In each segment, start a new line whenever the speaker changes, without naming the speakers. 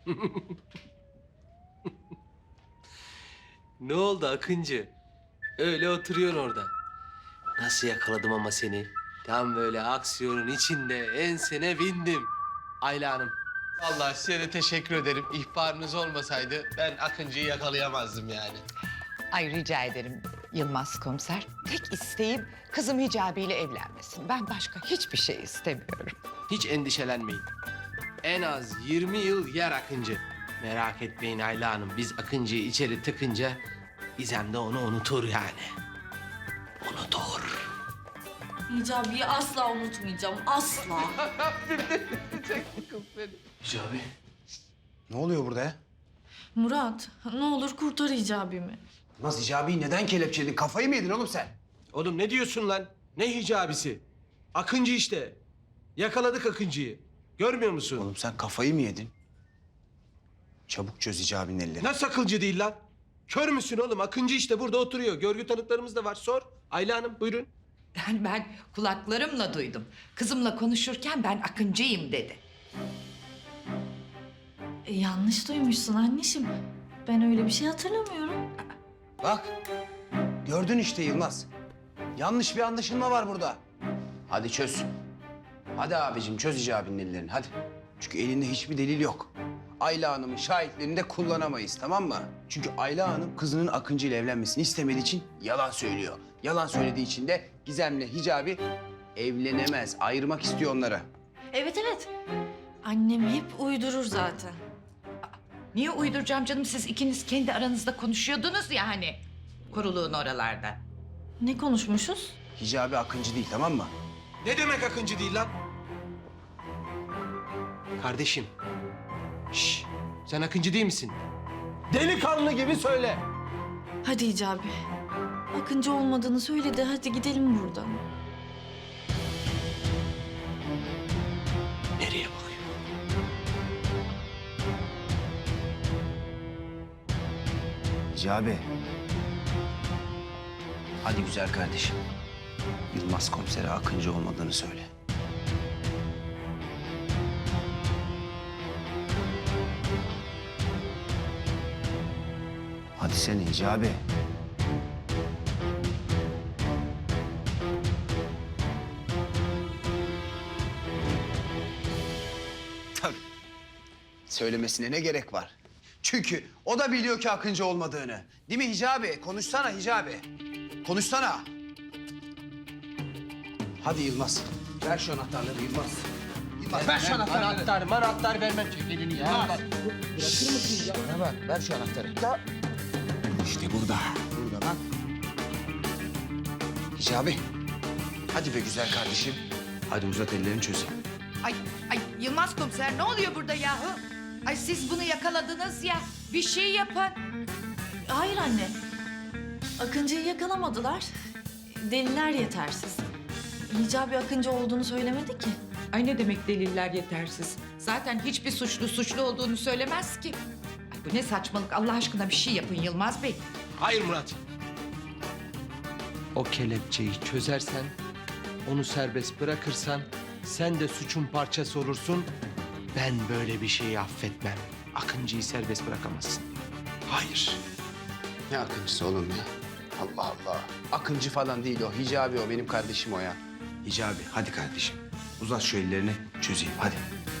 Ne oldu Akıncı? Öyle oturuyorsun orada. Nasıl yakaladım ama seni? Tam böyle aksiyonun içinde ensene bindim. Ayla Hanım. Vallahi size de teşekkür ederim. İhbarınız olmasaydı ben Akıncı'yı yakalayamazdım yani.
Ay rica ederim Yılmaz komiser. Tek isteğim kızım Hicabi ile evlenmesin. Ben başka hiçbir şey istemiyorum.
Hiç endişelenmeyin. En az 20 yıl yer Akıncı. Merak etmeyin Ayla Hanım. Biz Akıncı'yı içeri tıkınca İzem de onu unutur yani. Unutur.
Hicabi'yi asla unutmayacağım, asla.
Hicabi.
Ne oluyor burada ya?
Murat, ne olur kurtar Hicabi'mi.
Nasıl Hicabi'yi neden kelepçeledin? Kafayı mı yedin oğlum sen?
Oğlum ne diyorsun lan? Ne hicabisi? Akıncı işte. Yakaladık Akıncı'yı. Görmüyor musun?
Oğlum sen kafayı mı yedin? Çabuk çöz Hicabi'nin ellerini.
Nasıl akılcı değil lan? Kör müsün oğlum? Akıncı işte burada oturuyor. Görgü tanıklarımız da var. Sor. Ayla Hanım buyurun.
Yani ben kulaklarımla duydum. Kızımla konuşurken ben Akıncıyım dedi.
Yanlış duymuşsun anneciğim. Ben öyle bir şey hatırlamıyorum.
Bak. Gördün işte Yılmaz. Yanlış bir anlaşılma var burada. Hadi çöz. Hadi abicim çöz Hicabi'nin ellerini hadi. Çünkü elinde hiçbir delil yok. Ayla Hanım'ın şahitlerini de kullanamayız tamam mı? Çünkü Ayla Hanım kızının Akıncı ile evlenmesini istemediği için yalan söylüyor. Yalan söylediği için de Gizem'le Hicabi evlenemez. Ayırmak istiyor onları.
Evet, evet. Annem hep uydurur zaten.
Niye uyduracağım canım? Siz ikiniz kendi aranızda konuşuyordunuz ya hani. Koruluğun oralarda.
Ne konuşmuşuz?
Hicabi Akıncı değil tamam mı?
Ne demek Akıncı değil lan? Kardeşim. Şş, sen Akıncı değil misin? Delikanlı gibi söyle.
Hadi Hicabi. Akıncı olmadığını söyledi. Hadi gidelim buradan.
Nereye bakıyor?
Hicabi. Hadi güzel kardeşim. Yılmaz komisere Akıncı olmadığını söyle. Hadi sen Hicabi. Tabii. Söylemesine ne gerek var? Çünkü o da biliyor ki Akıncı olmadığını. Değil mi Hicabi? Konuşsana Hicabi. Konuşsana. Hadi Yılmaz. Ver şu anahtarları Yılmaz. Yılmaz ver şu anahtarları.
Anahtar vermem çek elini ya.
Yılmaz.
Bırakır mısın ya?
Bana bak ver şu anahtarı. İşte burada. Burada lan. Hicabi. Hadi be güzel kardeşim. Hadi uzat ellerini çözeyim.
Ay Yılmaz komiser ne oluyor burada yahu? Ay siz bunu yakaladınız ya. Bir şey yapın.
Hayır anne. Akıncı'yı yakalamadılar. Deliller yetersiz. Hicabi Akıncı olduğunu söylemedi ki.
Ay ne demek deliller yetersiz? Zaten hiçbir suçlu olduğunu söylemez ki. Ay bu ne saçmalık Allah aşkına bir şey yapın Yılmaz Bey.
Hayır Murat. O kelepçeyi çözersen, onu serbest bırakırsan sen de suçun parçası olursun. Ben böyle bir şeyi affetmem. Akıncı'yı serbest bırakamazsın. Hayır.
Ne Akıncısı oğlum ya? Allah Allah. Akıncı falan değil o. Hicabi o. Benim kardeşim o ya. Hicabi hadi kardeşim. Uzat şu ellerini çözeyim hadi.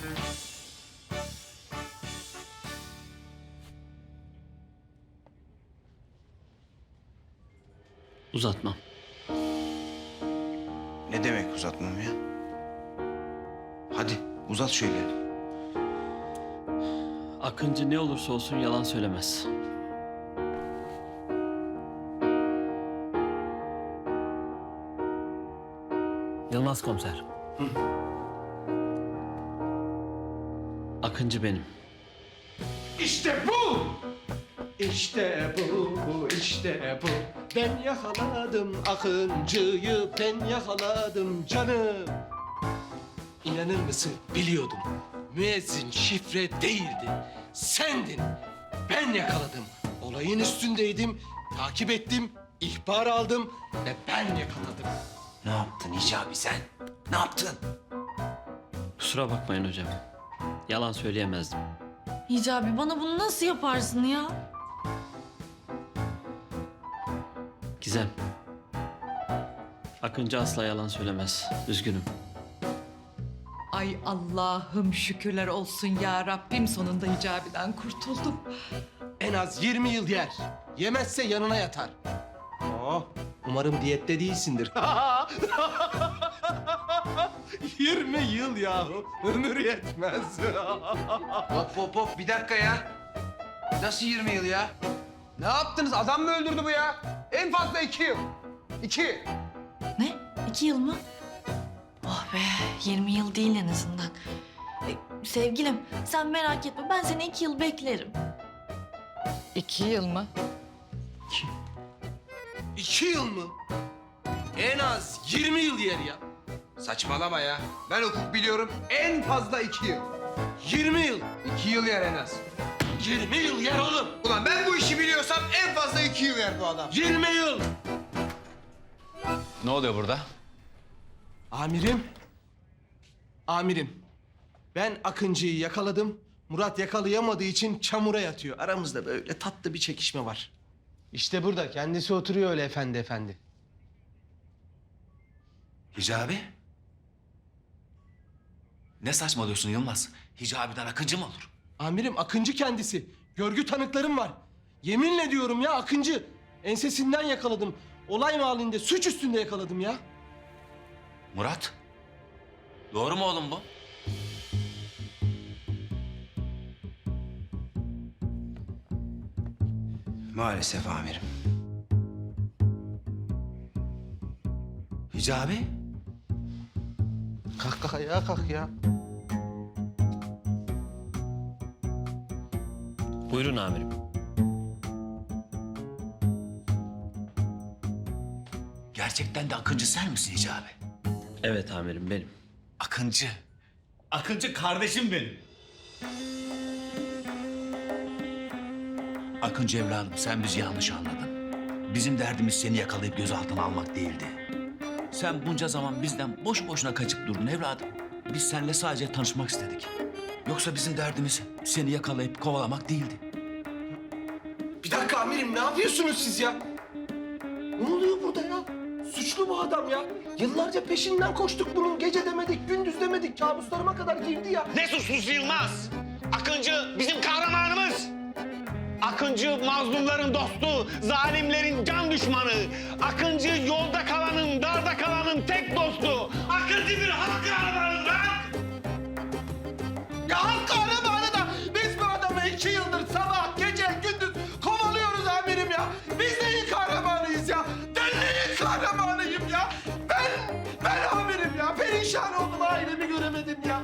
Uzatmam.
Ne demek uzatmam ya? Hadi uzat şu ellerini.
Akıncı ne olursa olsun yalan söylemez. Yılmaz komiser. Akıncı benim.
İşte bu! İşte bu, işte bu. Ben yakaladım Akıncı'yı, ben yakaladım canım. İnanır mısın? Biliyordum. Müezzin şifre değildi. Sendin. Ben yakaladım. Olayın üstündeydim. Takip ettim. İhbar aldım ve ben yakaladım.
Ne yaptın Hicabi sen? Ne yaptın?
Kusura bakmayın hocam. Yalan söyleyemezdim.
Hicabi bana bunu nasıl yaparsın ya?
Gizem. Akıncı asla yalan söylemez. Üzgünüm.
Ay Allah'ım şükürler olsun ya Rabbim, sonunda Hicabi'den kurtuldum.
En az 20 yıl yer. Yemezse yanına yatar. Umarım diyette değilsindir. 20 yıl yahu. Ömür yetmez.
Hop hop hop bir dakika ya. Nasıl 20 yıl ya? Ne yaptınız? Adam mı öldürdü bu ya? En fazla 2 yıl. 2.
Ne? 2 yıl mı? Oh be 20 yıl değil en azından. Sevgilim sen merak etme ben seni 2 yıl beklerim.
2 yıl mı?
2 yıl mı? En az 20 yıl yer ya.
Saçmalama ya. Ben hukuk biliyorum. En fazla 2 yıl.
20 yıl.
2 yıl yer en az.
20 yıl yer oğlum.
Ulan ben bu işi biliyorsam en fazla 2 yıl yer bu adam.
20 yıl.
Ne oluyor burada?
Amirim. Amirim. Ben Akıncı'yı yakaladım. Murat yakalayamadığı için çamura yatıyor. Aramızda böyle tatlı bir çekişme var. İşte burada. Kendisi oturuyor öyle efendi efendi.
Hicabi? Ne saçmalıyorsun Yılmaz? Hicabi'den Akıncı mı olur?
Amirim Akıncı kendisi. Görgü tanıklarım var. Yeminle diyorum ya Akıncı. Ensesinden yakaladım. Olay mahallinde suç üstünde yakaladım ya.
Murat? Doğru mu oğlum bu?
Maalesef amirim.
Hicabi?
Kalk kalk ayağa kalk ya.
Buyurun amirim.
Gerçekten de Akıncı sen misin Hicabi?
Evet amirim benim.
Akıncı. Akıncı kardeşim benim. Akıncı evladım sen bizi yanlış anladın. Bizim derdimiz seni yakalayıp gözaltına almak değildi. Sen bunca zaman bizden boş boşuna kaçıp durdun evladım. Biz seninle sadece tanışmak istedik. Yoksa bizim derdimiz seni yakalayıp kovalamak değildi.
Bir dakika amirim ne yapıyorsunuz siz ya? Ne oluyor burada ya? Suçlu bu adam ya. Yıllarca peşinden koştuk bunun. Gece demedik, gündüz demedik. Kabuslarıma kadar girdi ya.
Ne suçlusu Yılmaz? Akıncı bizim kahramanımız. Akıncı mazlumların dostu, zalimlerin can düşmanı. Akıncı yolda kalanın, darda kalanın tek dostu. Akıncı bir halk kahramanı lan!
Ya halk kahramanı da biz bu adamı 2 yıldır sabah, gece, gündüz kovalıyoruz amirim ya. Biz neyin kahramanıyız ya? Ben neyin kahramanıyım ya? Ben amirim ya. Perişan oldum, ailemi göremedim ya.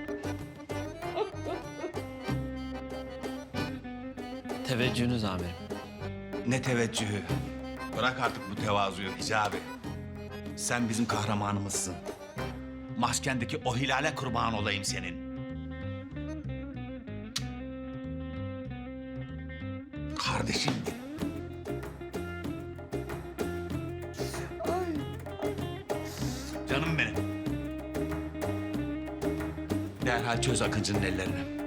Teveccühünüz amirim.
Ne teveccühü. Bırak artık bu tevazuyu Hicabi. Sen bizim kahramanımızsın. Maskendeki o hilale kurban olayım senin. Kardeşim benim. Canım benim. Derhal çöz Akıncı'nın ellerini.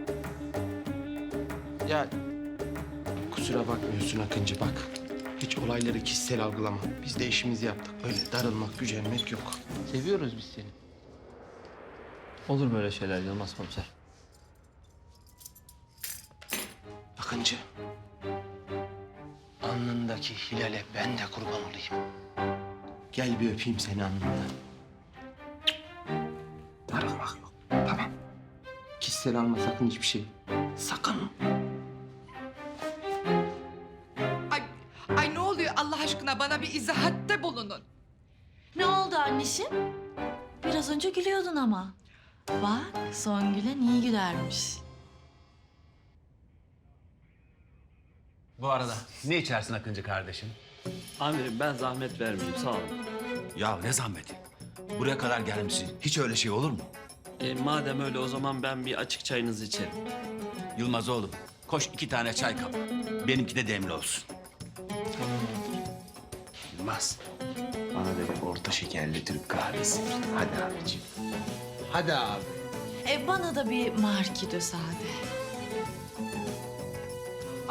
Ya kusura bakmıyorsun Akıncı bak. Hiç olayları kişisel algılama. Biz de işimizi yaptık. Öyle darılmak, gücenmek yok. Seviyoruz biz seni.
Olur böyle şeyler Yılmaz komiser.
Akıncı. Alnındaki hilale ben de kurban olayım. Gel bir öpeyim seni alnından. Darılmak yok. Tamam. Kişisel alma sakın hiçbir şey. Sakın.
Ay ne oluyor Allah aşkına, bana bir izahatte bulunun.
Ne oldu anneciğim? Biraz önce gülüyordun ama. Bak son gülen iyi gülermiş.
Bu arada ne içersin Akıncı kardeşim?
Amirim ben zahmet vermeyeyim sağ olun.
Ya ne zahmeti? Buraya kadar gelmişsin. Hiç öyle şey olur mu?
Madem öyle o zaman ben bir açık çayınızı içerim.
Yılmaz oğlum, koş 2 tane çay kap. Benimki de demli olsun.
Yılmaz. Bana da bir orta şekerli Türk kahvesi. Hadi abiciğim.
Hadi abi.
Bana da bir marki de sade.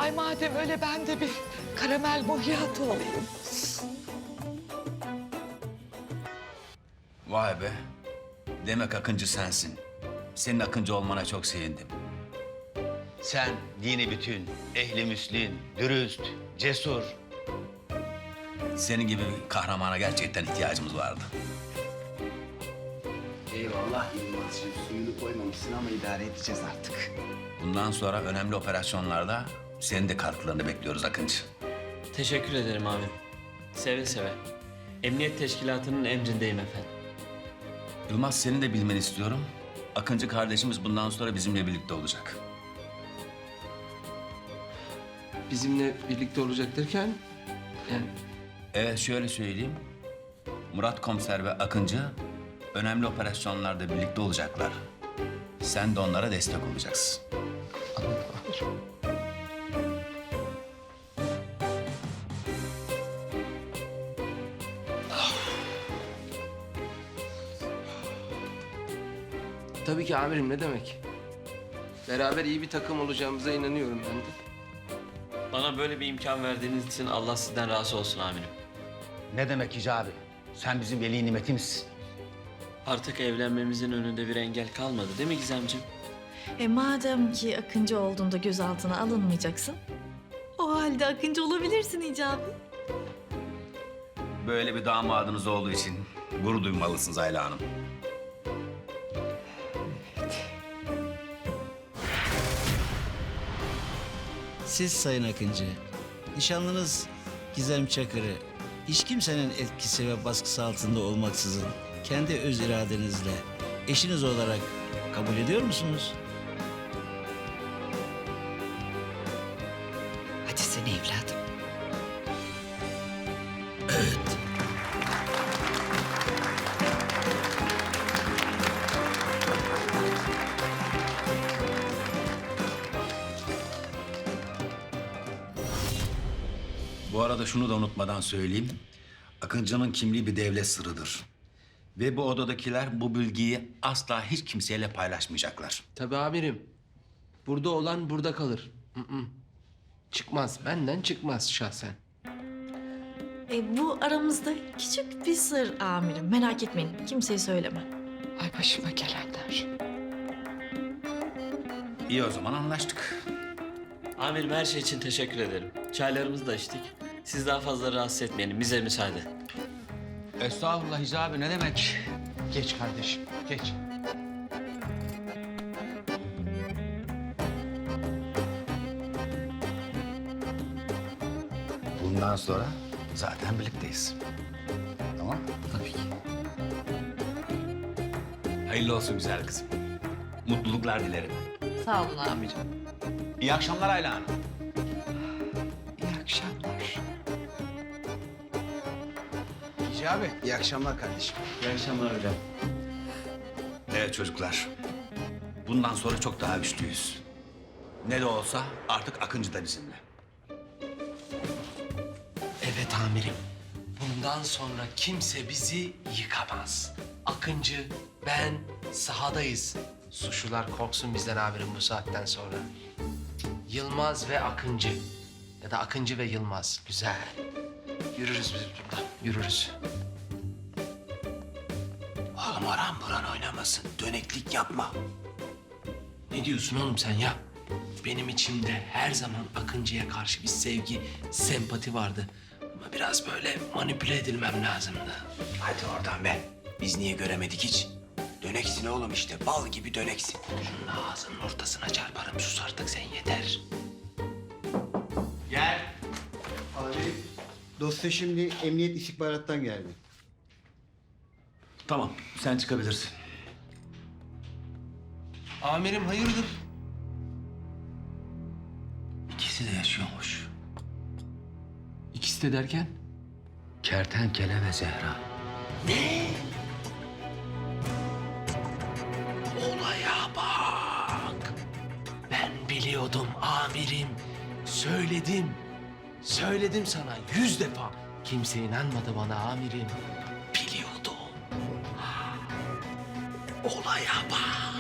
Ay madem öyle ben de bir karamel macchiato alayım.
Vay be. Demek Akıncı sensin. Senin Akıncı olmana çok sevindim.
Sen dini bütün, ehli müslim, dürüst, cesur.
Senin gibi bir kahramana gerçekten ihtiyacımız vardı.
Eyvallah Yılmaz'cığım. Suyunu koymamışsın ama idare edeceğiz artık.
Bundan sonra önemli operasyonlarda senin de katkılarını bekliyoruz Akıncı.
Teşekkür ederim abim. Seve seve. Emniyet teşkilatının emrindeyim efendim.
Yılmaz senin de bilmeni istiyorum. Akıncı kardeşimiz bundan sonra bizimle birlikte olacak.
Bizimle birlikte olacak derken yani
Evet şöyle söyleyeyim. Murat Komiser ve Akıncı önemli operasyonlarda birlikte olacaklar. Sen de onlara destek olacaksın.
tabii ki amirim ne demek? Beraber iyi bir takım olacağımıza inanıyorum ben de.
Bana böyle bir imkan verdiğiniz için Allah sizden razı olsun amirim.
Ne demek Hicabi? Sen bizim veli nimetimizsin.
Artık evlenmemizin önünde bir engel kalmadı değil mi Gizemciğim?
Madem ki Akıncı olduğunda gözaltına alınmayacaksın, o halde Akıncı olabilirsin Hicabi.
Böyle bir damadınız olduğu için gurur duymalısınız Ayla Hanım.
Siz Sayın Akıncı, nişanlınız Gizem Çakır'ı hiç kimsenin etkisi ve baskısı altında olmaksızın kendi öz iradenizle eşiniz olarak kabul ediyor musunuz?
Hadi sen evladım.
Bu arada şunu da unutmadan söyleyeyim. Akıncı'nın kimliği bir devlet sırrıdır. Ve bu odadakiler bu bilgiyi asla hiç kimseyle paylaşmayacaklar.
Tabii amirim. Burada olan burada kalır. Çıkmaz. Benden çıkmaz şahsen.
Bu aramızda küçük bir sır amirim. Merak etmeyin, kimseye söyleme.
Ay başıma gelenler.
İyi o zaman anlaştık.
Amirim her şey için teşekkür ederim. Çaylarımızı da içtik. Siz daha fazla rahatsız etmeyelim. Bize müsaade.
Estağfurullah Hicabi ne demek? Geç kardeşim, geç.
Bundan sonra zaten birlikteyiz. Tamam? Tabii ki. Hayırlı olsun güzel kızım. Mutluluklar dilerim.
Sağ olun amirim.
İyi akşamlar Ayla Hanım.
İyi akşamlar.
Hicabi, iyi akşamlar kardeşim.
İyi akşamlar hocam.
Evet çocuklar. Bundan sonra çok daha güçlüyüz. Ne de olsa artık Akıncı da bizimle.
Evet amirim. Bundan sonra kimse bizi yıkamaz. Akıncı, ben sahadayız. Suçlular korksun bizden amirim bu saatten sonra. Yılmaz ve Akıncı. Ya da Akıncı ve Yılmaz. Güzel. Yürürüz biz buradan. Yürürüz. Oğlum aram buran oynamasın. Döneklik yapma. Ne diyorsun oğlum sen ya? Benim içimde her zaman Akıncı'ya karşı bir sevgi, sempati vardı. Ama biraz böyle manipüle edilmem lazımdı.
Hadi oradan be. Biz niye göremedik hiç? Döneksin oğlum işte, bal gibi döneksin.
Şunun ağzının ortasına çarparım. Sus artık sen yeter.
Gel.
Abi, dosya şimdi emniyet istihbarattan geldi.
Tamam sen çıkabilirsin.
Amirim hayırdır?
İkisi de yaşıyormuş.
İkisi de derken?
Kertenkele ve Zehra.
Olaya bak. Ben biliyordum amirim. Söyledim. Söyledim sana 100 defa. Kimse inanmadı bana amirim. Biliyordum. Olaya bak.